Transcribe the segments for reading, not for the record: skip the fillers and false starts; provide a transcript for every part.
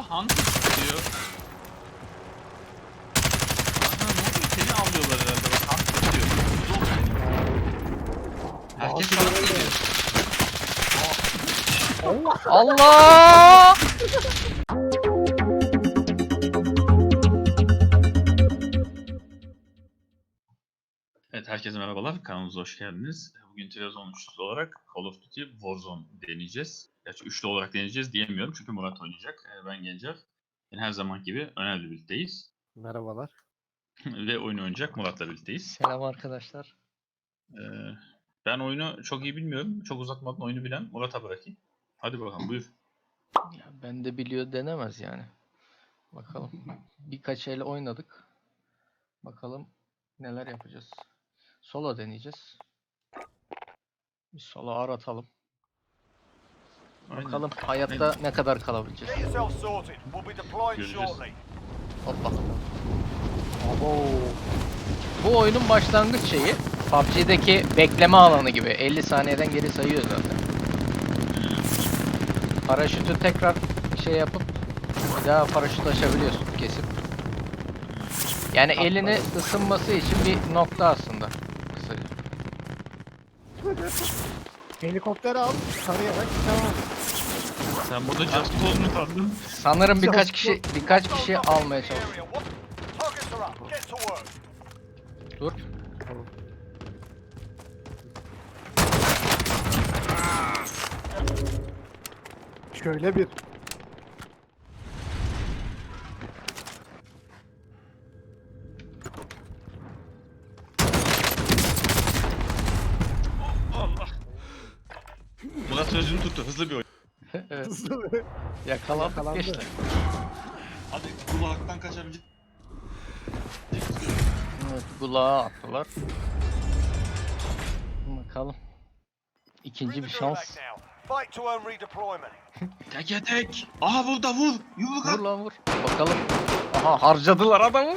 Aa Hunter diyor. Aha ne oluyor? Seni avlıyorlar herhalde. Bak Hunter diyor. Herkes sana geliyor. Allah! Evet herkese merhabalar. Kanalımıza hoş geldiniz. Bugün Trabzon üçlüsü olarak Call of Duty Warzone deneyeceğiz. Gerçi üçlü olarak deneyeceğiz diyemiyorum çünkü Murat oynayacak. Ben Gencer. Yani her zaman gibi Öner'le birlikteyiz. Merhabalar. Ve oyunu oynayacak Murat'la birlikteyiz. Selam arkadaşlar. Ben oyunu çok iyi bilmiyorum. Çok uzatmadan oyunu bilen Murat'a bırakayım. Hadi bakalım buyur. Ya ben de biliyor denemez yani. Bakalım. Birkaç el oynadık. Bakalım neler yapacağız. Solo deneyeceğiz. Bir solo aratalım. Aynen. Bakalım hayatta ne kadar kalabileceğiz. Get yourself sorted. We'll be deploying Göreceğiz. shortly. Hoppa. Abo. Bu oyunun başlangıç şeyi PUBG'deki bekleme alanı gibi. 50 saniyeden geri sayıyor zaten. Paraşütü tekrar şey yapıp bir daha paraşüt açabiliyorsun kesip. Yani elini ısınması için bir nokta aslında. Kısaca. Helikopter al, tarayarak tamam. Sen burada Just Cause mu kaldın? Sanırım birkaç kişi almaya çalışıyor. Targets are up. Get to work. Dur. Şöyle bir. Allah. Murat sözünü tuttu. Hızlı bir oyun. Evet, Hızlı. yakalandık Yakalandı. geçti. Hadi kulaktan kaçabilecek. Evet, kulağa attılar. Bakalım. İkinci bir şans. Fight to earn redeployment. Teke tek. Aha vur da vur. Yumruk Vur at. lan vur. Bakalım. Aha harcadılar adamı.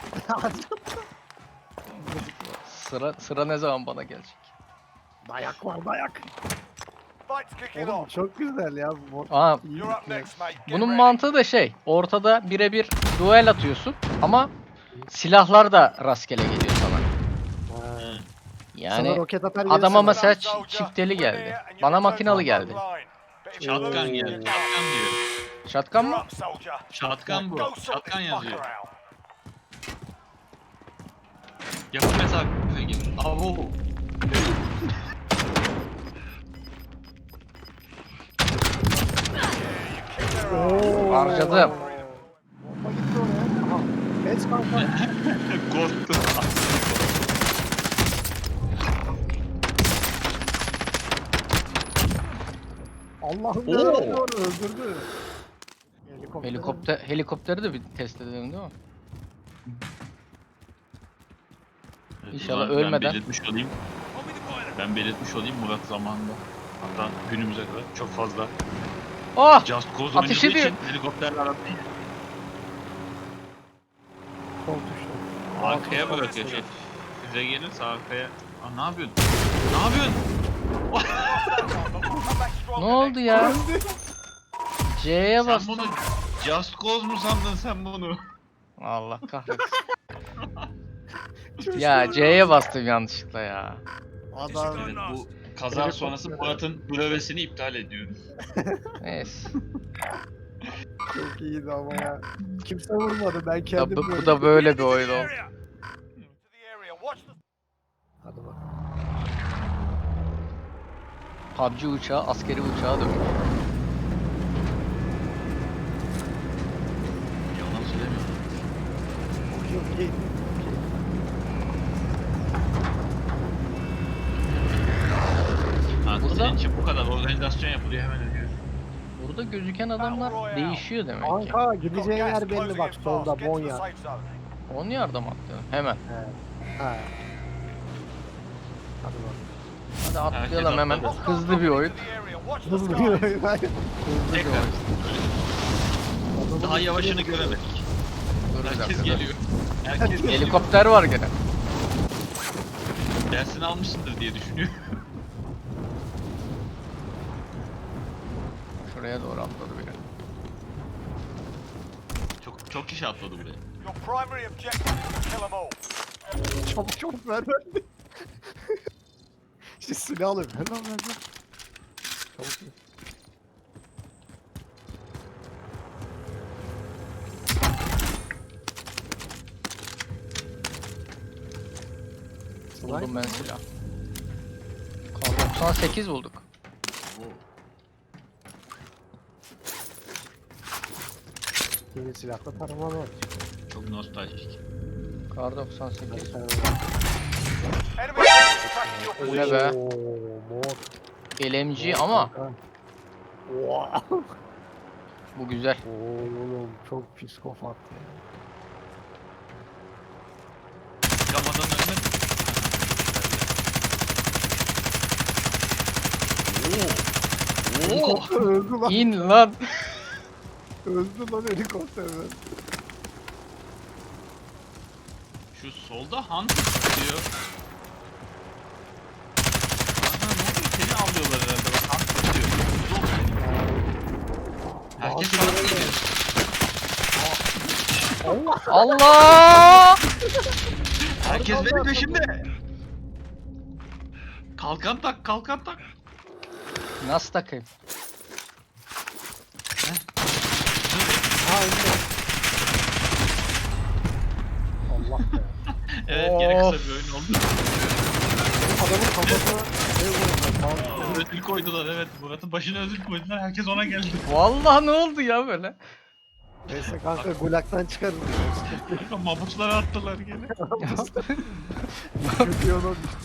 Sıra ne zaman bana gelecek? Dayak var, dayak. Fight's kicking Oğlum off. çok güzel ya. Bu Aa, iyi You're up fikir. next, mate. Get bunun ready. mantığı da şey. Ortada birebir duel atıyorsun ama silahlar da rastgele geliyor sana. Ha. Sana Yani roket atar adama gelirse- mesela Soldier, çifteli we're geldi. here and you Bana return makinalı to geldi. front line. But if you Shotgun lose, geldi. you're Shotgun diyor. Shotgun You're mı? up, soldier. Shotgun bu. Go sort Shotgun this yazıyor. fucker out. Yakın mesafe gibi. Avo. Kick their ass. Oo. Harcadım. Bomba gitti oraya. Aha. Geç kanka. Korktu. Allah'ım Oo. yarabbim onu öldürdü. Helikopteri de bir test edelim değil mi? İnşallah Ben ölmeden. belirtmiş olayım Murat zamanında. Hatta günümüze kadar çok fazla Oh! Just Cause Ateş oynadığı ediyor. için helikopterle aratmayın. Sol tuşla. Arkaya bırakıyor şey. Size gelirse arkaya. Aa, ne yapıyorsun? Ne yapıyorsun? Come back strong Ne the oldu next ya? C'ye Sen bastım. bunu Just Cause mu sandın sen bunu? Allah kahretsin. Ya C'ye bastım yanlışlıkla ya. Adam. Evet bu kaza sonrası Murat'ın brevesini iptal ediyoruz. Neyse. Çok iyiydi ama ya. Kimse vurmadı. Ben Ya kendim bu vurdum. da böyle bir oyun To oldu. the area. Watch the Hadi bak. PUBG uçağı askeri uçağa dönüyor. Yalan söylemiyorum. Okey. Ha, Burada- senin için bu kadar organizasyon yapılıyor hemen ölüyor. Burada gözüken adamlar değişiyor demek ki. Kanka got gideceğin gas yer belli closing bak in solda fast. Get to the Bonya. safe zone. 10 yardım attı. Hemen. Ha. Hadi bak. Hadi atlayalım Herkes hemen. atladı. Hızlı bir oyun. To the area. Watch the Hızlı skies. bir oyun. Hızlı bir Tekrar. oyun. Daha yavaşını göremedik. Dur bir Herkes dakika. geliyor. Herkes geliyor. Helikopter var gene. Dersini almışsındır diye düşünüyor. Şuraya doğru atladı biri. Çok kişi atladı buraya. Your primary objective is to kill them all. Çabuk çabuk ver ver. İşte silah alayım. Hemen ver ver. Çabuk ver. Buldum ben silah. Kar 98 bulduk. Yeni silahla tarama var. Çok nostaljik. Kar 98. Enemy attacking your Bu ne position. be? Mor. LMG ama Wow. bu güzel. Oğlum çok psikopat ya. Çıkamadan önüne. Oo. Helikopter öldü lan. İn lan. Öldü lan helikopterden. Şu solda Hunter diyor. Aha, ne oluyor? Seni avlıyorlar herhalde. Bak Hunter diyor. Herkes Hunter bana öyle. geliyor. Allah. Allah! Herkes Allah benim Allah. peşimde. Kalkan tak, kalkan tak. Nasıl takayım? Ha önde. Allah be. Evet, gene kısa Of. bir oyun oldu. Adamın kafasına ne vurdu? Ödül koydular, evet. Murat'ın başına ödül koydular. Herkes ona geldi. Vallahi ne oldu ya böyle? Neyse kanka gulaktan çıkarız. Mabutlara attılar gene. Kötü yola düştü.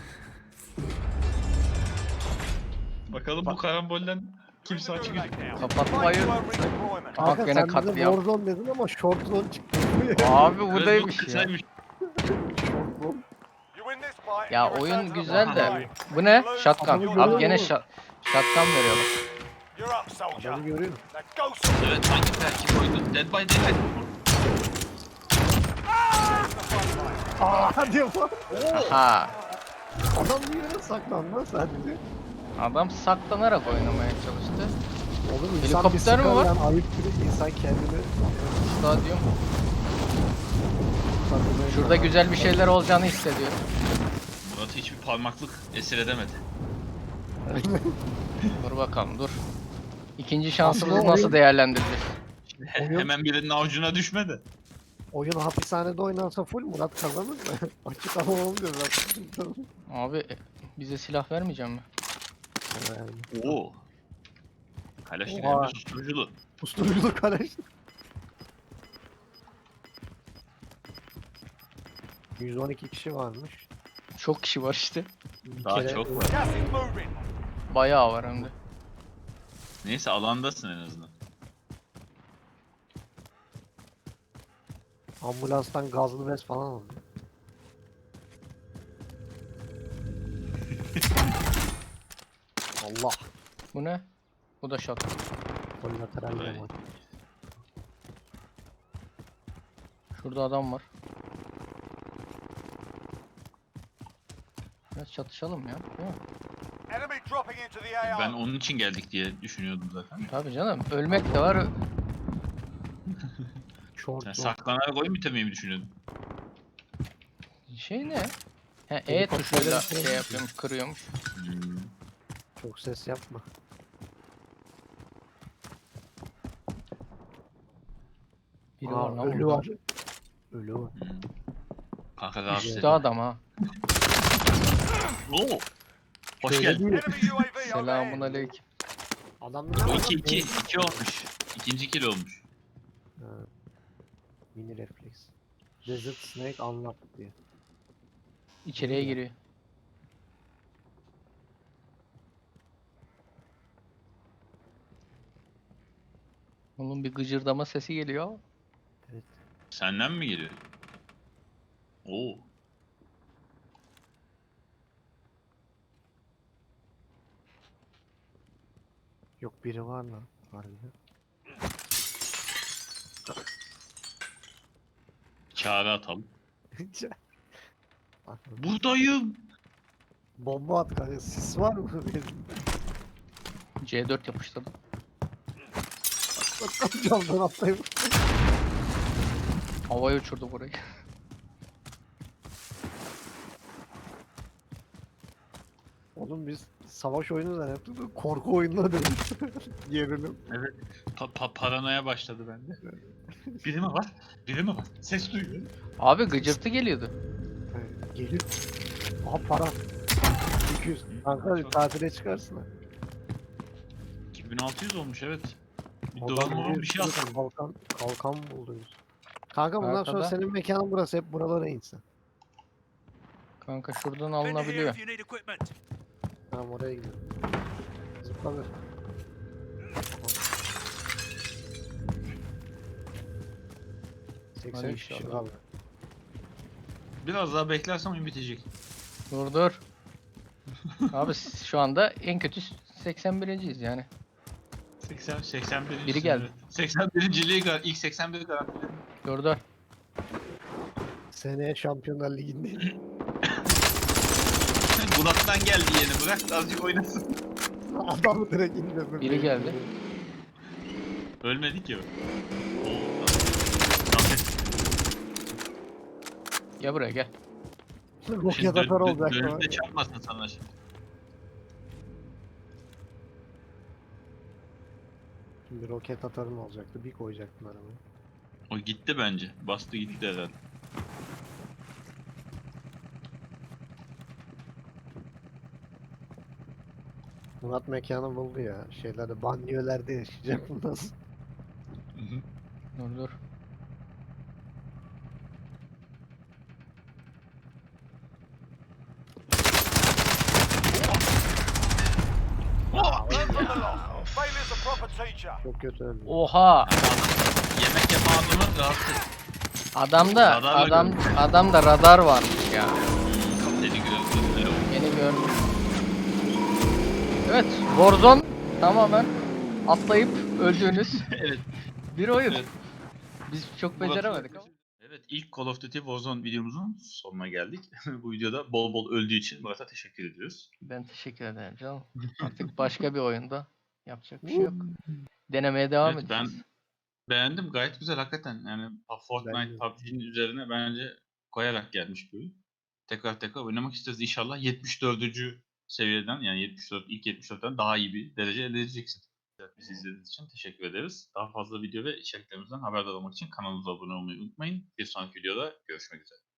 Bakalım bu karambolden kimse açı Moving back gözüküyor. now. Kapatmayın. Fight slow redeployment. Bak Kanka gene sen bize katliam. Warzone dedin ama short zone çıktı. Abi Evet, buradaymış ya. kısaymış. Short zone. You win this fight, Ya you return oyun to the güzel front de. line. Bu ne? Adamı Shotgun. görüyor Abi gene musun? shotgun veriyorlar. You're up, soldier. Adamı görüyor. Now go, soldier. Evet, hangi terki koydu? Dead by Daylight. There's the front line. Aa hadi yapalım. Aha. Adam bir yere saklandı lan sadece. Adam saklanarak oynamaya çalıştı. Oğlum Helikopter mi var? Yani ayıp gibi insan kendini Stadyum. saklamaya Şurada çalışıyor. güzel bir şeyler olacağını hissediyorum. Murat'ı hiçbir parmaklık esir edemedi. Dur bakalım dur. İkinci şansımızı Aslında nasıl oyun- değerlendireceğiz? Oyun- Hemen birinin avucuna düşmedi. Oyun hapishanede oynansa full Murat kazanır mı? Açık ama olmuyor zaten. Abi bize silah vermeyecek mi? Yani. Oo. Kaleşlik Oha. hem de susturuculu. Usturuculuk karıştı. 112 kişi varmış. Çok kişi var işte. Bir Daha kere- çok var. Gas is moving. Bayağı var hem de. Neyse alandasın en azından. Ambulanstan gazlı bez falan aldı. Allah. Bu ne? Bu da shotgun. Kolateral Vay. de var. Şurada adam var. Biraz çatışalım ya. Değil mi? Enemy dropping into the AO. Ben onun için geldik diye düşünüyordum zaten. Tabii canım. Ölmek de var. Short Sen zone. saklanarak oyun bitirmeyi mi düşünüyordun? Şey ne? He, E Helikopterden tuşuyla şey şey yapıyormuş, kırıyormuş. Hmm. Çok ses yapma. Biri Aa, var lan ölü burada. var. Ölü var. Kanka rahatsız Üstte edin. adam ha. Oo. Hoş Şöyle geldin. değil. Enemy UAV Selamun overhead. aleyküm. Adamda ne O var 2 lan? 2 olmuş. İkinci kill olmuş. Ha. Mini refleks. Desert Snake Unlocked diye. İçeriye giriyor. Onun bir gıcırdama sesi geliyor. Evet. Senden mi geliyor? Oo. Yok biri var lan. Harbiden. Çağrı atalım. Bak, Buradayım. bomba at kanka. Sis var mı? C4 yapıştırdım. Camdan atlayıp. Havaya uçurdu burayı. Oğlum biz savaş oyunu zannettik de korku oyununa döndük. Gerilim. Evet. Paranoya başladı bende. Biri mi var? Biri mi var? Ses duyuyorum. Abi gıcırtı geliyordu. Gelir. Aha para. 200. Kanka Çok- tatile çıkarsın ha. 2600 olmuş evet. Bir Adam dolar moral bir bir şey sürü alsın. kalkan buldunuz. Kanka bundan sonra Arkada. senin mekanın burası, hep buralara insin. Kanka şuradan Bend here alınabiliyor. if you need equipment. Tamam, oraya gidiyorum. Zıpla bir. Hadi 83 kişi inşallah. kaldı. Biraz daha beklersem oyun bitecek. Dur. Abi şu anda en kötü 81.yiz yani. 81. Biri geldi. 81. ilk 81'i garantiledim. Dur. Seneye Şampiyonlar Ligi'ndeyim. Bulat'tan geldi yeni, bırak da azıcık oynasın. Adamı direkt indirdim. Biri geldi. Ölmedik ya. Rafet. Gel buraya gel. Roket atar olacak. Dönüp de çarpmasın sana şimdi. Şimdi roket atarım olacaktı. Bir koyacaktım arabayı. O gitti bence. Bastı gitti herhalde. Murat mekanı buldu ya. Şeylerde, banliyölerde yaşayacak bundan sonra. Dur. Learn from the loss. Failure's a proper teacher. Çok kötü öldü. Oha! Yemek yapan adamı rahatsız. Adamda radar varmış ya. Seni gördüm. Yeni gördüm. Evet, Warzone tamamen atlayıp öldüğünüz Evet. bir oyun. Evet. Biz çok beceremedik ama. Evet, ilk Call of Duty Warzone videomuzun sonuna geldik. Bu videoda bol bol öldüğü için Murat'a teşekkür ediyoruz. Ben teşekkür ederim canım. Artık başka bir oyunda yapacak bir şey yok. Denemeye devam Evet, ben edeceğiz. beğendim. Gayet güzel hakikaten. Yani Fortnite, Bence de. PUBG'nin üzerine bence koyarak gelmiş bir oyun. Tekrar oynamak isteriz. İnşallah 74. seviyeden, yani 74, ilk 74'ten daha iyi bir derece elde edeceksin. Evet, bizi izlediğiniz için teşekkür ederiz. Daha fazla video ve içeriklerimizden haberdar olmak için kanalımıza abone olmayı unutmayın. Bir sonraki videoda görüşmek üzere.